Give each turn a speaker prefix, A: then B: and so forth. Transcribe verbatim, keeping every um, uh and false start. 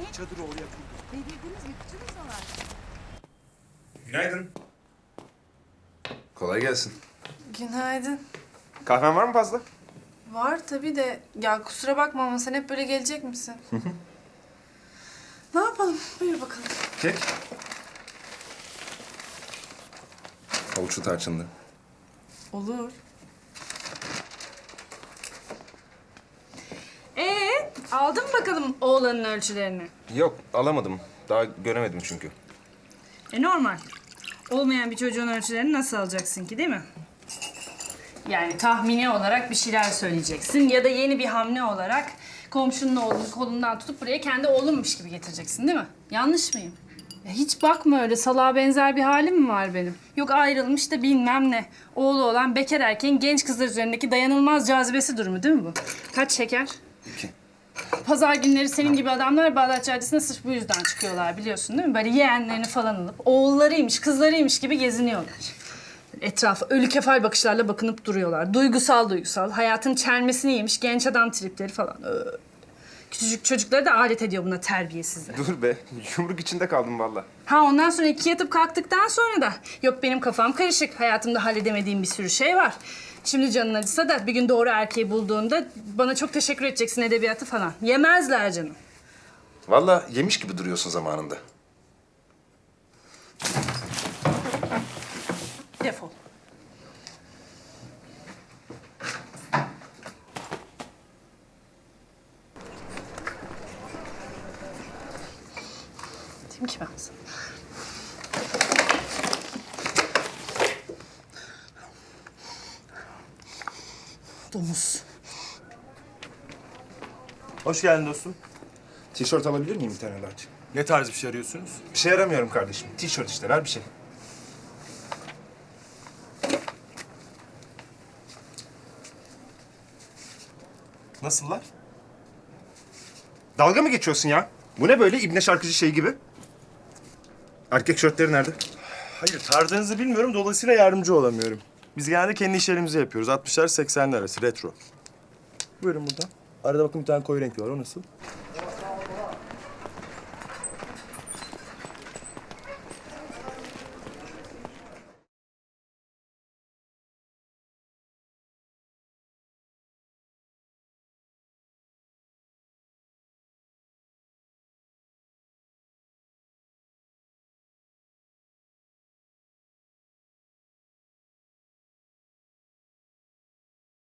A: Çadırı oraya kurdu.
B: Dediğiniz yıkıcınız da var.
C: Günaydın. Kolay gelsin.
D: Günaydın.
C: Kahven var mı fazla?
D: Var tabii de ya kusura bakma ama sen hep böyle gelecek misin? Ne yapalım? Buyur bakalım.
C: Kek. Havuçlu tarçınlı.
D: Olur. Ee, aldın mı bakalım oğlanın ölçülerini?
C: Yok, alamadım. Daha göremedim çünkü.
E: E normal. Olmayan bir çocuğun ölçülerini nasıl alacaksın ki değil mi? Yani tahmini olarak bir şeyler söyleyeceksin ya da yeni bir hamle olarak komşunun oğlunu kolundan tutup buraya kendi oğlunmuş gibi getireceksin değil mi? Yanlış mıyım? Ya hiç bakma öyle salağa benzer bir halim mi var benim? Yok ayrılmış da bilmem ne. Oğlu olan bekar erkeğin genç kızlar üzerindeki dayanılmaz cazibesi durumu değil mi bu? Kaç şeker?
C: İki.
E: Pazar günleri senin gibi adamlar Bağdat Caddesi'ne sırf bu yüzden çıkıyorlar biliyorsun değil mi? Böyle yeğenlerini falan alıp oğullarıymış, kızlarıymış gibi geziniyorlar. Etrafa ölü kefal bakışlarla bakınıp duruyorlar. Duygusal duygusal. Hayatın çelmesini yemiş genç adam tripleri falan. Öyle. Küçücük çocukları da alet ediyor buna terbiyesizler.
C: Dur be, yumruk içinde kaldım valla.
E: Ha ondan sonra iki yatıp kalktıktan sonra da yok benim kafam karışık. Hayatımda halledemediğim bir sürü şey var. Şimdi canın acısa da bir gün doğru erkeği bulduğunda bana çok teşekkür edeceksin edebiyatı falan. Yemezler canım.
C: Valla yemiş gibi duruyorsun zamanında.
E: Defol. Dedim ki ben sana. Domuz.
A: Hoş geldin dostum.
C: Tişört alabilir miyim bir tane large?
A: Ne tarz bir şey arıyorsunuz?
C: Bir şey aramıyorum kardeşim. Tişört işte, ver bir şey.
A: Nasıllar?
C: Dalga mı geçiyorsun ya? Bu ne böyle ibne şarkıcı şey gibi? Erkek şörtleri nerede?
A: Hayır, tarzınızı bilmiyorum. Dolayısıyla yardımcı olamıyorum. Biz genelde kendi işlerimizi yapıyoruz. altmışlar seksenler arası, retro. Buyurun buradan. Arada bakın bir tane koyu renk var. O nasıl?